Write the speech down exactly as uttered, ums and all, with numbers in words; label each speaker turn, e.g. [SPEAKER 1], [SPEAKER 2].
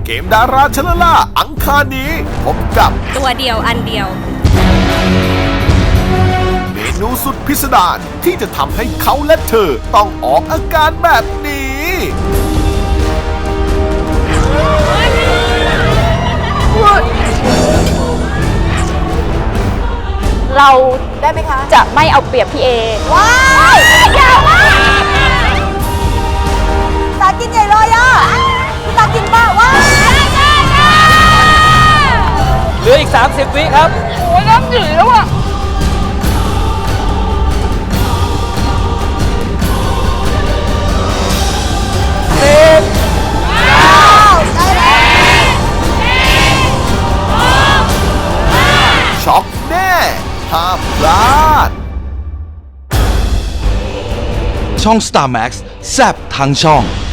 [SPEAKER 1] เกมดาราชลล่าอังคารนี้พบกับ
[SPEAKER 2] ตัวเดียวอันเดียว
[SPEAKER 1] เมนูสุดพิสดารที่จะทำให้เขาและเธอต้องออกอาการแบบนี้
[SPEAKER 3] เราได้ไหมคะจะไม่เอาเปรียบพี่เอว้ายยาวมากตากินใหญ่เลยอ่ะตากินบ้าว้าย
[SPEAKER 4] เหลืออีกสามสิบวิครับ
[SPEAKER 3] โอ้ยน้ำหยืดแล้วอ่ะ
[SPEAKER 4] สิบ
[SPEAKER 1] ช็อกแน่ห้ามพลาด
[SPEAKER 5] ช่อง สตาร์ แม็กซ์ แซ่บทั้งช่อง